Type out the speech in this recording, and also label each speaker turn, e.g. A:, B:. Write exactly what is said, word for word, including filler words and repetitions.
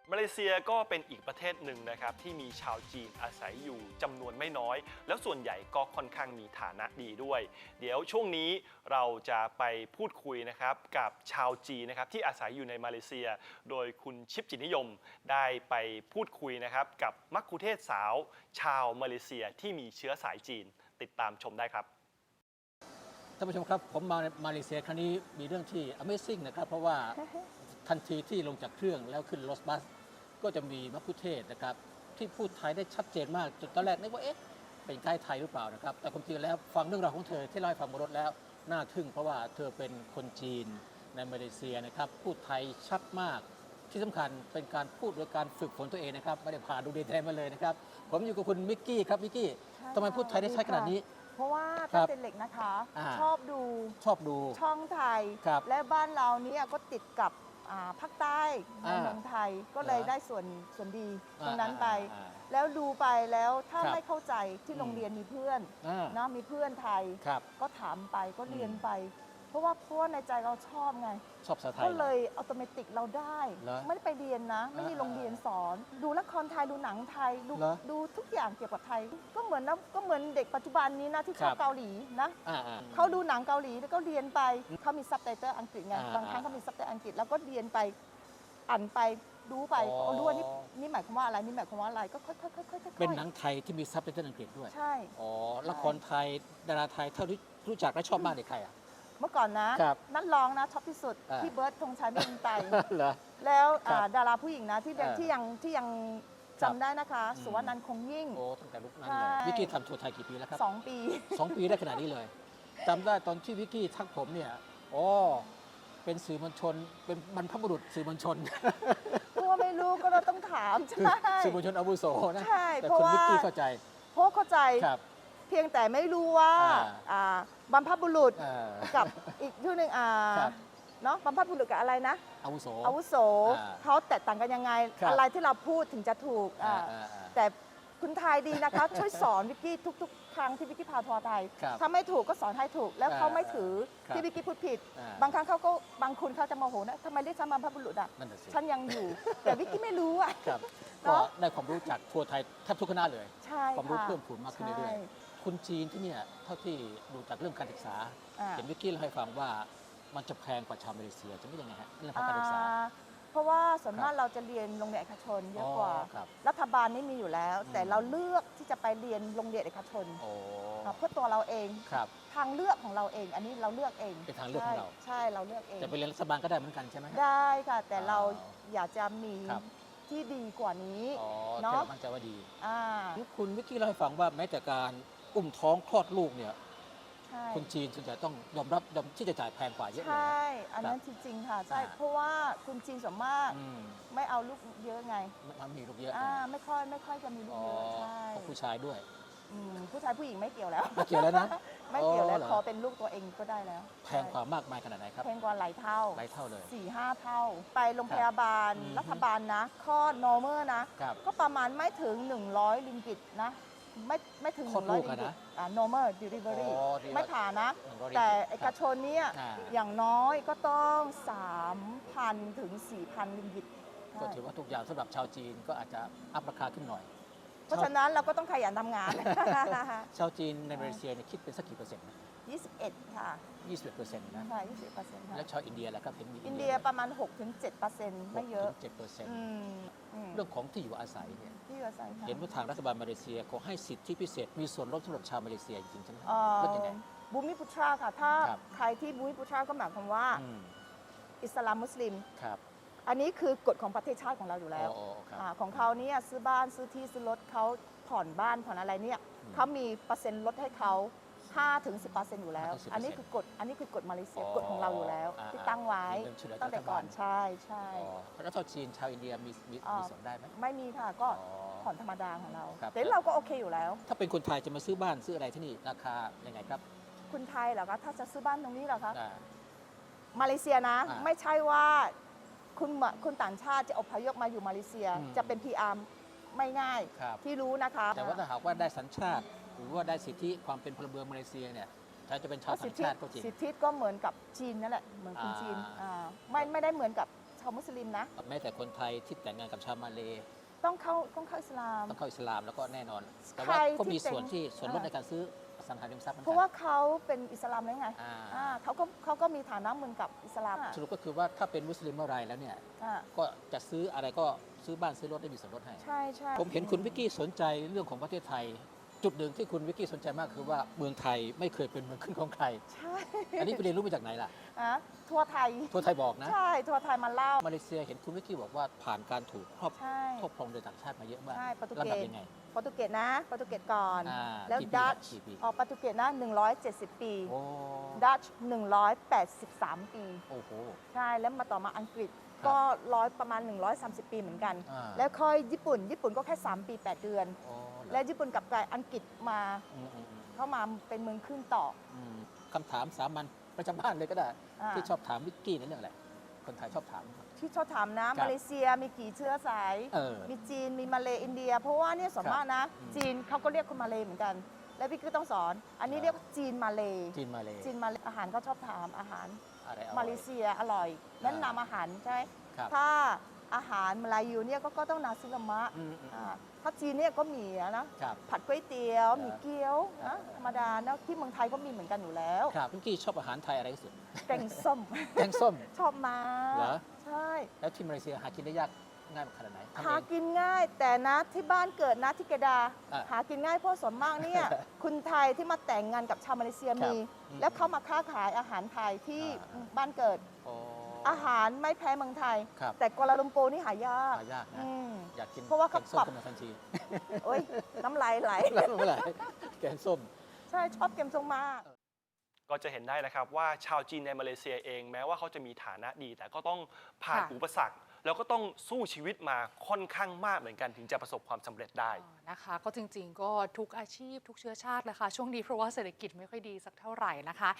A: มาเลเซียก็เป็นอีกประเทศหนึ่งนะครับที่มีชาวจีนอาศัยอยู่จำนวนไม่น้อยแล้วส่วนใหญ่ก็ค่อนข้างมีฐานะดีด้วยเดี๋ยวช่วงนี้เราจะไปพูดคุยนะครับกับชาวจีนนะครับที่อาศัยอยู่ในมาเลเซียโดยคุณชิปจิตนิยมได้ไปพูดคุยนะครับกับมัคคุเทศก์สาวชาวมาเลเซียที่มีเชื้อสายจีนติดตามชมได้ครับ
B: ท่านผู้ชมครับผมมามาเลเซียครั้งนี้มีเรื่องที่ Amazing นะครับเพราะว่าทันทีที่ลงจากเครื่องแล้วขึ้นรถบัสก็จะมีมัคคุเทศก์นะครับที่พูดไทยได้ชัดเจนมากจนตอนแรกนึกว่าเอ๊ะเป็นไกด์ไทยหรือเปล่านะครับแต่ความจริงแล้วฟังเรื่องราวของเธอที่เล่าให้ฟังบนรถแล้วน่าทึ่งเพราะว่าเธอเป็นคนจีนในมาเลเซียนะครับพูดไทยชัดมากที่สำคัญเป็นการพูดโดยการฝึกฝนตัวเองนะครับไม่ได้ผ่านดูเรียนไทยมาเลยนะครับผมอยู่กับคุณมิกกี้ครับมิกกี้ทำไมพูดไทยได้ชัดขนาดนี้
C: เพราะว่าตั้งแต่เด็กนะคะชอบดู
B: ชอบดู
C: ช่องไทยและบ้านเราเนี่ยก็ติดกับภาคใต้ในเมืองไทยก็เลยได้ส่วนส่วนดีตรงนั้นไปแล้วดูไปแล้วถ้าไม่เข้าใจที่โรงเรียนมีเพื่อนนะมีเพื่อนไทยก็ถามไปก็เรียนไปเพราะว่าเพราะว่าในใจเราชอบไง
B: ชอบภาษาไทย
C: ก็เลยอัตโนมัติเราได้ไม่ได้ไปเรียนนะไม่มีโรงเรียนสอนดูละครไทยดูหนังไทยดูดูทุกอย่างเกี่ยวกับไทยก็เหมือนนะก็เหมือนเด็กปัจจุบันนี้นะที่ชอบเกาหลีนะเขาดูหนังเกาหลีแล้วก็เรียนไปเขามีซับไตเติลอังกฤษไงบางครั้งเขามีซับไตเติลอังกฤษแล้วก็เรียนไปอ่านไปดูไปเอาดูว่านี่นี่หมายความว่าอะไรนี่หมายความว่าอะไรก็ค่อยๆค่อยๆ
B: เป็นหนังไทยที่มีซับไตเติลอังกฤษด้วย
C: ใช่
B: อ๋อละครไทยดาราไทยเท่าที่รู้จักและชอบมากในใครอ่ะ
C: เมื่อก่อนนะนักร้องนะชอบที่สุดพี่เบิร์ดธงชัยไม่ยินไตแล้วดาราผู้หญิงนะที่ที่ยังที่ยังจำได้นะคะสุวรรณนันท์คงยิ่ง
B: โอ้ตั้งแต่ลุกนั้นเลยวิกกี้ทำทัวร์ไทยกี่ปีแล้วครับ
C: สองปี
B: สองปีได้ขนาดนี้เลยจำได้ตอนที่วิกกี้ทักผมเนี่ยอ๋อเป็นสื่อมวลชนเป็นบรรพบุรุษสื่อมวลชน
C: เพราะว่าไม่รู้ก็เราต้องถามใช่
B: สื่อมวลชนอาวุโสนะ
C: ใช่
B: แต่คุณวิกกี้เข้าใจ
C: เพราะเข้าใจเพียงแต่ไม่รู้ว่าบรรพบุรุษกับอีกชื่อหนึ่งเนาะบรรพบุรุษกับอะไรนะ
B: อาวุโส
C: อาวุโสเขาแตกต่างกันยังไงอะไรที่เราพูดถึงจะถูกแต่คุณไทยดีนะคะช่วยสอนวิกกี้ทุกๆครั้งที่วิกกี้พาทัวร์ไทยถ้าไม่ถูกก็สอนให้ถูกแล้วเขาไม่ถือที่วิกกี้พูดผิดบางครั้งเขาก็บางคนเขาจะโมโหนะทำไมเรียกฉันบรรพบุรุษอ่ะฉันยังอยู่แต่วิกกี้ไม่รู้อ่ะ
B: ก็ได้ความรู้จากทัวร์ไทยแทบทุกคณะเลยความรู้เพิ่มพูนมากขึ้นเรื่อยๆคุณจีนที่เนี่ยเท่าที่ดูจากเรื่องการศึกษาเห็นวิกกี้เล่าให้ฟังว่ามันจะแพงกว่าชาวมาเลเซียจะไม่ยังไงฮะเรื่องของการศึกษา
C: เพราะว่าส่วนมากเราจะเรียนโรงเรียนเอกชนเยอะกว่ารัฐบาลนี่มีอยู่แล้วแต่เราเลือกที่จะไปเรียนโรงเรียนเอกชนเพื่อตัวเราเองทางเลือกของเราเองอันนี้เราเลือกเอง
B: เป็นทางเลือกของเรา
C: ใช่เราเลือกเอง
B: แต่ไปเรียนรัฐบาลก็ได้เหมือนกันใช่ไหม
C: ได้ค่ะแต่เราอยากจะมีที่ดีกว่านี้
B: เนาะมั่นใจว่าดีคุณวิกกี้เล่าให้ฟังว่าแม้แต่การอุ้มท้องคลอดลูกเนี่ยคนจีนส่วนใหญ่ต้องยอมรับยอมที่จะจ่ายแพงกว่าเยอะเลย
C: ใช่อันนั้นจริงๆค่ะใช่เพราะว่าคนจีนส่วนมากไม่เอาลูกเยอะไง
B: ไม่มีลูกเยอะ
C: ไม่ค่อยไม่ค่อยจะมีลูกเยอะใช่
B: ผู้ชายด้วย
C: ผู้ชายผู้หญิงไม่เกี่ยวแล้ว
B: ไม่เกี่ยวแล้วนะ
C: ไม่เกี่ยวแล้วขอเป็นลูกตัวเองก็ได้แล้ว
B: แพงกว่ามากมายขนาดไหนครับ
C: แพงกว่าหลายเท่า
B: หลายเท่าเลย
C: สี่ห้าเท่าไปโรงพยาบาลรัฐบาลนะคลอด normal นะก็ประมาณไม่ถึงหนึ่งร้อยริงกิตนะไม่ไม่ถึงหนึ่งร้อยริงกิตอ่า normal delivery ไม่ผ่านะแต่เอกชนเนี่ยอย่างน้อยก็ต้อง สามพัน ถึง สี่พัน ริงกิต
B: ก็ถือว่าทุกอย่างสำหรับชาวจีนก็อาจจะอัพราคาขึ้นหน่อย
C: เพราะฉะนั้นเราก็ต้องขยันทำงาน
B: ชาวจีนในมาเลเซียเนี่ยคิดเป็นสักกี่เปอร์เซ็นต์นะ
C: ยี่สิบเอ็ดค่ะ
B: ยี่สิบเอ็ดเปอร์เซ็นต์นะ
C: ใช่ยี่สิบเอ็ดเปอร์เซ็นต์
B: แล้วชาวอินเดียล่ะครับเห็นมี
C: อินเดียประมาณ หกถึงเจ็ดเปอร์เซ็นต์ ไม่เยอะ
B: เจ็ดเปอร์เซ็นต์เรื่องของที่อยู่อาศัยเนี่ย
C: ที่อยู่อาศัย
B: เห็นว่าทางรัฐบาลมาเลเซียเขาให้สิทธิพิเศษมีส่วนลดสำหรับชาวมาเลเซียจริงๆใช่ไหมลดยังไง
C: บูมิพุทราค่ะถ้าใครที่บูมิพุทราก็หมายความว่าอิสลามมุสลิมอันนี้คือกฎของประเทศชาติของเราอยู่แล้วของเขาเนี่ยซื้อบ้านซื้อที่ซื้อรถเขาผ่อนบ้านผ่อนอะไรเนี่ยเขามีเปอร์เซ็นต์ลดให้เขา ห้าถึงสิบเปอร์เซ็นต์ อยู่แล้วอันนี้คือกฎอันนี้คือกฎมาเลเซียกฎของเราอยู่แล้วที่ตั้งไว้ตั้งแต่ก่อนใช่ใช่
B: แล้วชาวจีนชาวอินเดียมีมีส่วนได้ไหม
C: ไม่มีค่ะก็ผ่อนธรรมดาของเราแต่เราก็โอเคอยู่แล้ว
B: ถ้าเป็นคนไทยจะมาซื้อบ้านซื้ออะไรที่นี่ราคายังไงครับ
C: คนไทยเหรอคะถ้าจะซื้อบ้านตรงนี้เหรอคะมาเลเซียนะไม่ใช่ว่าคุณคุณต่างชาติจะอพยพมาอยู่มาเลเซียจะเป็น พี อาร์ ไม่ง่ายที่รู้นะคะ
B: แต่ว่าถ้าหากว่าได้สัญชาติหรือว่าได้สิทธิความเป็นพลเมืองมาเลเซียเนี่ยถ้าจะเป็นชาวต่างชาติก็จริง
C: สิทธิก็เหมือนกับจีนนั่นแหละเหมือนคนจีนไม่ไม่ได้เหมือนกับชาวมุสลิมนะ
B: แม้แต่คนไทยที่แต่งงานกับชาวมาเลย์
C: ต้องเข้าต้องเข้าอิสลาม
B: ต้องเข้าอิสลามแล้วก็แน่นอน แต่
C: ใค
B: ว่าร ก็มี
C: ที่แต่ง
B: ส่วนที่ส่วนลด
C: อ่า
B: ในการซื้ออสังหาริมทรัพย์หมือน
C: เพ
B: กัน
C: ราะว่าเขาเป็นอิสลามแล้วไง
B: อ่า
C: อ่าเขาก็เขาก็มีฐานะเหมือนกับอิสลาม
B: สรุปก็คือว่าถ้าเป็นมุสลิมเมื่อไรแล้วเนี่ย
C: อ่า
B: ก็จะซื้ออะไรก็ซื้อบ้านซื้อรถได้มีส่วนลดให้
C: ใช่ใช่
B: ผมเห็นคุณวิกกี้สนใจเรื่องของประเทศไทย จุดหนึ่งที่คุณวิกกี้สนใจมากคือว่าเมืองไทยไม่เคยเป็นเมืองขึ้นของใคร
C: ใช่
B: อันนี้ไปเรียนรู้มาจากไหนล่ะ
C: อ่ะทัวร์ไทย
B: ทัวร์ไทยบอกนะ
C: ใช่ทัวร์ไทยมาเล่า
B: มาเลเซียเห็นคุณวิกกี้บอกว่าผ่านการถูกครอบ
C: ใช่
B: ครอบครองโดยต่างชาติมาเยอะมาก
C: ใช่โปรตุ
B: ลำ
C: เก
B: ดับ
C: ส
B: ยังไง
C: โปรตุเกสนะโปรตุเกสก่อน
B: อ่า
C: แล้ว
B: กี่ปี
C: ดัต
B: กี่ปี
C: ออกโปรตุเกสนะหนึ่งร้อยเจ็ดสิบปี
B: โอ้
C: ดัตช์หนึ่งร้อยแปดสิบสามปี
B: โอ้โห
C: ใช่แล้วมาต่อมาอังกฤษ
B: ครับ
C: ก็ร้อยประมาณ หนึ่งร้อยสามสิบ ปีเหมือนกัน
B: อ่า
C: แล้วค่อยญี่ปุ่น ญี่ปุ่นก็แค่ สาม ปี แปด เดือน
B: โอ้เหรอ
C: และญี่ปุ่นกลับกลายอังกฤษมา
B: อืมอืมอืม
C: เข้ามาเป็นเมืองขึ้นต่อ
B: อืมคำถามสามัญประจำบ้านเลยก็ได้
C: อ่า
B: ที่ชอบถามวิกกี้ในเรื่องอะไรคนไทยชอบถาม
C: ที่ชอบถามนะ
B: ครับ
C: มาเลเซียมีกี่เชื้อสาย
B: เออ
C: มีจีน มีมาเลอินเดีย เพราะว่าเนี่ยส่วนมากนะ
B: อืม
C: จีนเขาก็เรียกคนมาเลเหมือนกัน แล้วพี่ก็ต้องสอน อันนี้
B: อ่า
C: เรียกว่าจีนมาเล
B: จีนมาเลย
C: จีนมาเลอาหารก็ชอบถามอาหาร
B: อะไรอร่อย
C: มาเลเซียอร่อยแนะนำอาหารใช่ไหม
B: ครับ
C: ถ้าอาหารมาลายูเนี่ยก็ก็ต้องนาซิลามะ
B: อืมอืม
C: อ่าถ้าจีนเนี่ยก็มีอะนะ
B: ครับ
C: ผัดก๋วยเตี๋ยว
B: อ่ามี
C: มีเกี๊ยว
B: อ่า
C: นะธรรมดานะที่เมืองไทยก็มีเหมือนกันอยู่แล้ว
B: ครับวิกกี้ชอบอาหารไทยอะไรที่สุด
C: แกงส้ม
B: แกงส้ม
C: ชอบมา
B: เหรอ
C: ใช่
B: แล้วที่มาเลเซียหากินได้ยากง่ายขนาดไหนทำ
C: หา
B: เอง
C: กินง่ายแต่นะที่บ้านเกิดนะที่เกดา
B: อ่ะ
C: หากินง่ายเพราะส่วนมากเนี่ย คุณไทยที่มาแต่งงานกับชาวมาเลเซีย
B: ครับ
C: มี
B: อืม
C: แล้วเขามาค้าขายอาหารไทยที่
B: อ่า
C: บ้านเกิด
B: โอ้
C: อาหารไม่แพ้เมืองไทย
B: ครับ
C: แต่กัวลาลัมโปร์นี่หายาก
B: หายากนะ
C: อืม
B: อยากกิน
C: เพราะว่าเขา
B: แกงส้ม
C: ปรับ
B: ขึ้นมาทันที
C: โอ้ยน้ำลายไหล
B: แล้วเมื่อไหร่แกงส้ม
C: ใช่ชอบเกมทรงมาก
A: ก็จะเห็นได้นะครับว่าชาวจีนในมาเลเซียเองแม้ว่าเขาจะมีฐานะดี แต่ก็ต้องผ่าน
D: ค่ะ
A: อุปสรรค แล้วก็ต้องสู้ชีวิตมาค่อนข้างมากเหมือนกันถึงจะประสบความสำเร็จได้
D: อ๋อนะคะก็จริงๆ ก็ทุกอาชีพทุกเชื้อชาติแหละค่ะช่วงนี้เพราะว่าเศรษฐกิจไม่ค่อยดีสักเท่าไหร่นะคะ